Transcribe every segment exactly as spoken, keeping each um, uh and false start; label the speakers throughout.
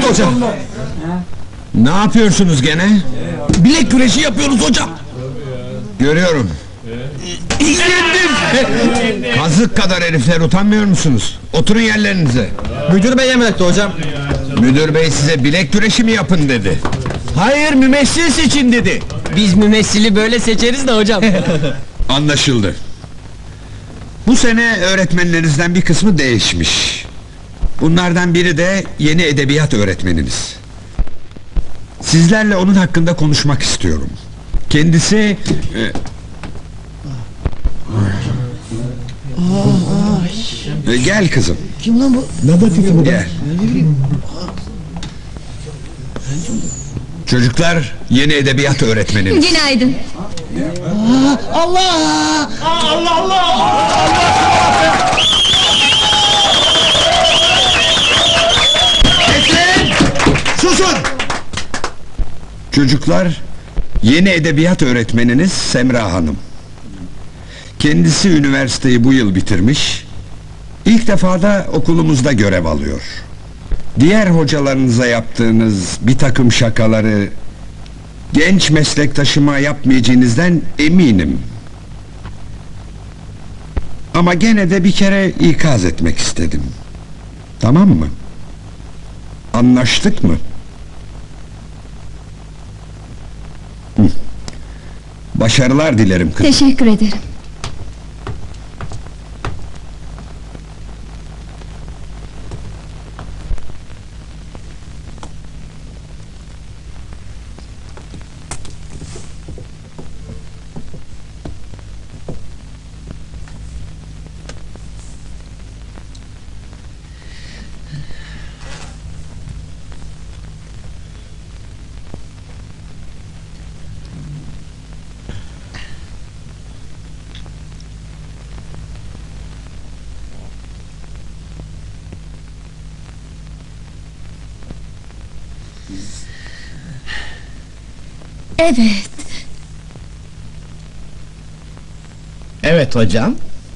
Speaker 1: hocam.
Speaker 2: Ne yapıyorsunuz gene?
Speaker 1: Bilek güreşi yapıyoruz hocam.
Speaker 2: Görüyorum. Kazık kadar herifler, utanmıyor musunuz? Oturun yerlerinize.
Speaker 1: Müdür bey emretti hocam.
Speaker 2: Müdür bey size bilek güreşi mi yapın dedi?
Speaker 1: Hayır, mümessil seçin dedi.
Speaker 3: Biz mümessili böyle seçeriz de hocam.
Speaker 2: Anlaşıldı. Bu sene öğretmenlerinizden bir kısmı değişmiş. Bunlardan biri de yeni edebiyat öğretmeniniz. Sizlerle onun hakkında konuşmak istiyorum. Kendisi... e, e, gel kızım.
Speaker 1: Kim lan bu? Nerede
Speaker 2: Gel. Çocuklar, yeni edebiyat öğretmenimiz.
Speaker 4: Günaydın.
Speaker 1: Allah!
Speaker 2: Bekleyin! Susun! Çocuklar, yeni edebiyat öğretmeniniz Semra Hanım. Kendisi üniversiteyi bu yıl bitirmiş, ilk defa da okulumuzda görev alıyor. Diğer hocalarınıza yaptığınız bir takım şakaları genç meslektaşıma yapmayacağınızdan eminim. Ama gene de bir kere ikaz etmek istedim. Tamam mı? Anlaştık mı? Hı. Başarılar dilerim kızım.
Speaker 4: Teşekkür ederim. Evet.
Speaker 1: Evet hocam.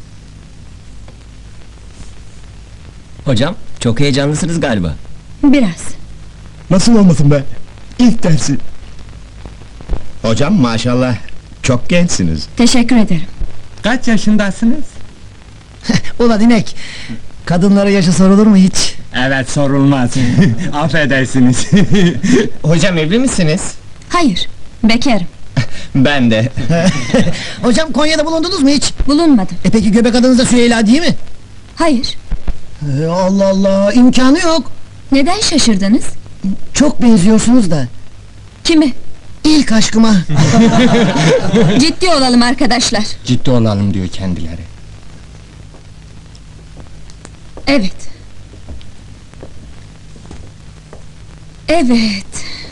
Speaker 3: Hocam, çok heyecanlısınız galiba.
Speaker 4: Biraz.
Speaker 1: Nasıl olmasın be? İlk dersi. Hocam maşallah çok gençsiniz.
Speaker 4: Teşekkür ederim.
Speaker 5: Kaç yaşındasınız?
Speaker 6: Ulan inek! Kadınlara yaşı sorulur mu hiç?
Speaker 5: Evet, sorulmaz. Affedersiniz.
Speaker 3: Hocam evli misiniz?
Speaker 4: Hayır. Bekarım.
Speaker 3: Ben de.
Speaker 6: Hocam Konya'da bulundunuz mu hiç?
Speaker 4: Bulunmadım.
Speaker 6: E peki göbek adınız da Süheyla değil mi?
Speaker 4: Hayır.
Speaker 6: E, Allah Allah, imkanı yok!
Speaker 4: Neden şaşırdınız?
Speaker 6: Çok benziyorsunuz da.
Speaker 4: Kimi?
Speaker 6: İlk aşkıma.
Speaker 4: Ciddi olalım arkadaşlar.
Speaker 5: Ciddi olalım diyor kendileri.
Speaker 4: Evet. Evet.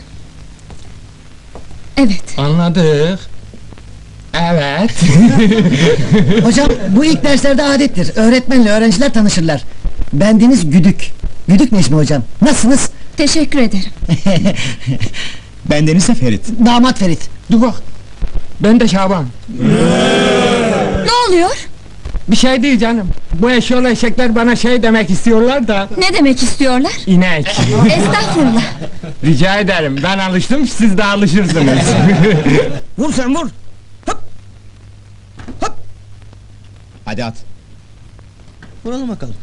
Speaker 4: Evet.
Speaker 5: Anladık. Evet.
Speaker 6: Hocam bu ilk derslerde adettir. Öğretmenle öğrenciler tanışırlar. Bendeniz Güdük. Güdük Necmi hocam. Nasılsınız?
Speaker 4: Teşekkür ederim.
Speaker 1: Bendeniz de Ferit.
Speaker 6: Damat Ferit.
Speaker 5: Dur bak. Ben de Şaban.
Speaker 4: Ne oluyor?
Speaker 5: Bir şey değil canım. Bu eşyolu eşekler bana şey demek istiyorlar da...
Speaker 4: Ne demek istiyorlar?
Speaker 5: İnek.
Speaker 4: Estağfurullah.
Speaker 5: Rica ederim. Ben alıştım, siz de alışırsınız.
Speaker 1: Vur sen vur! Hop! Hop! Hadi at. Vuralım bakalım.